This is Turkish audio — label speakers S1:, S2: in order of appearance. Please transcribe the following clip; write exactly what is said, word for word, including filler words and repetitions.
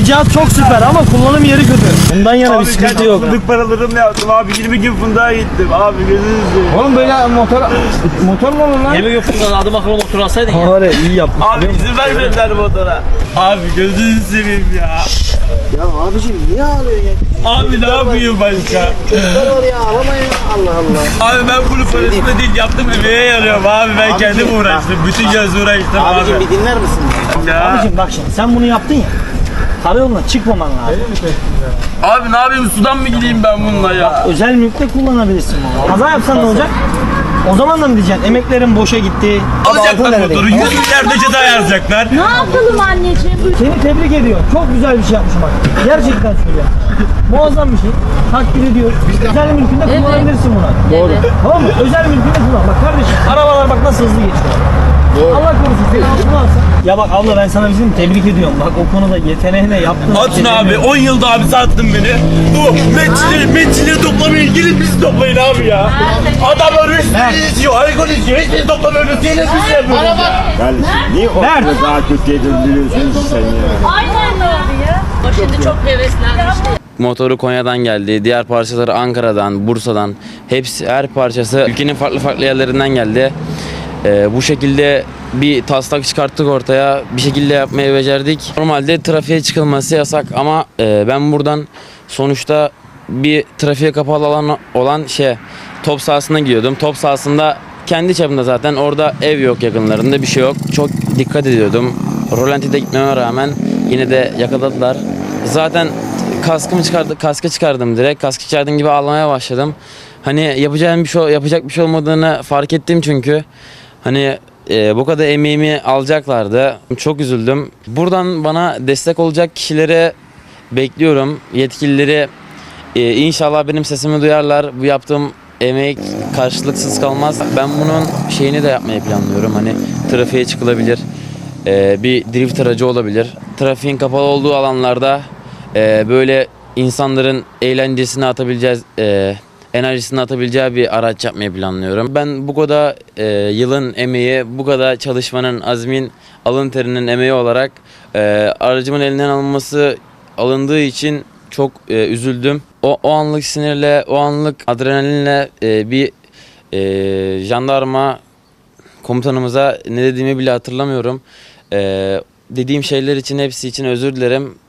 S1: cihaz çok süper ama kullanım yeri kötü. Bundan yana
S2: Abi
S1: bir sıkıntı yok.
S2: fındık paralarımla yaptım abi. yirmi gün fındığa gittim. Abi gözünüzü seveyim.
S1: Oğlum böyle motor motor mu olur lan?
S3: Yemek yok fındık adım akıllı motor alsaydın ya.
S1: Var ya iyi yapmış.
S2: Abi izin vermediler motora. Abi gözünüzü seveyim ya.
S4: Ya abicim niye ağlıyorsun ya?
S2: Abi ne yapayım başka?
S4: Çocuklar var ya ağlamayın. Allah Allah.
S2: Abi ben bunu parasını değil yaptım emeğe yarıyorum abi. Ben
S4: Abicim,
S2: kendim uğraştım. Bütün göz uğraştım abi.
S4: Abicim bir dinler misin?
S2: Ya.
S1: Abicim bak şimdi sen bunu yaptın ya. Karayoluna çıkmaman lazım.
S2: Abi ne yapayım sudan mı gideyim ben bununla ya?
S1: Özel mülkte kullanabilirsin bunu. Kaza yapsan ne olacak? O zaman da mı diyeceksin? Emeklerin boşa gitti.
S2: Alacaklar motoru. yüz milyarda ceza yazacaklar.
S5: Ne yapalım anneciğim?
S1: Seni tebrik ediyorum. Çok güzel bir şey yapmışım bak. Gerçekten söylüyorum. Muazzam bir şey. Takdir ediyoruz. Özel mülkünde
S5: Evet.
S1: kullanabilirsin bunu.
S5: Doğru.
S1: Tamam mı? Özel mülkünde kullan. Bak kardeşim arabalar bak nasıl hızlı geçiyor. Allah korusun seni altına alsın. Ya bak abla ben sana bizim tebrik ediyorum. Bak o konuda yeteneğine yaptığın
S2: Atın abi on yılda abi sattın beni. Bu metçileri metçileri toplamayın. Gidin bizi toplayın abi ya. Adamlar üstüne izliyor. Alkol izliyor. Hiçbiri toplamıyoruz. Yine biz yapıyoruz ya.
S6: Kardeşim niye o
S1: Mert.
S6: kadar daha kötüye döndürüyorsun sen ya?
S5: Aynen öyle ya. O şimdi çok heveslenmişti.
S7: Motoru Konya'dan geldi. Diğer parçaları Ankara'dan, Bursa'dan. Hepsi her parçası ülkenin farklı farklı yerlerinden geldi. Ee, bu şekilde bir taslak çıkarttık ortaya. Bir şekilde yapmayı becerdik. Normalde trafiğe çıkılması yasak ama e, ben buradan sonuçta bir trafiğe kapalı alan olan şey top sahasına gidiyordum. Top sahasında kendi çapımda zaten orada ev yok yakınlarında bir şey yok. Çok dikkat ediyordum. Rolantide gitmeme rağmen yine de yakaladılar. Zaten kaskımı çıkardı, kaskı çıkardım direkt. Kaskı çıkardığım gibi ağlamaya başladım. Hani yapacağım bir şey yapacak bir şey olmadığını fark ettim çünkü. Hani e, bu kadar emeğimi alacaklardı. Çok üzüldüm. Buradan bana destek olacak kişilere bekliyorum. Yetkilileri e, inşallah benim sesimi duyarlar. Bu yaptığım emek karşılıksız kalmaz. Ben bunun şeyini de yapmayı planlıyorum. Hani trafiğe çıkılabilir. E, bir drift aracı olabilir. Trafiğin kapalı olduğu alanlarda e, böyle insanların eğlencesini atabileceğiz, e, enerjisini atabileceği bir araç yapmayı planlıyorum. Ben bu kadar e, yılın emeği, bu kadar çalışmanın, azmin, alın terinin emeği olarak e, aracımın elinden alınması alındığı için çok e, üzüldüm. O, o anlık sinirle, o anlık adrenalinle e, bir e, jandarma komutanımıza ne dediğimi bile hatırlamıyorum. E, dediğim şeyler için hepsi için özür dilerim.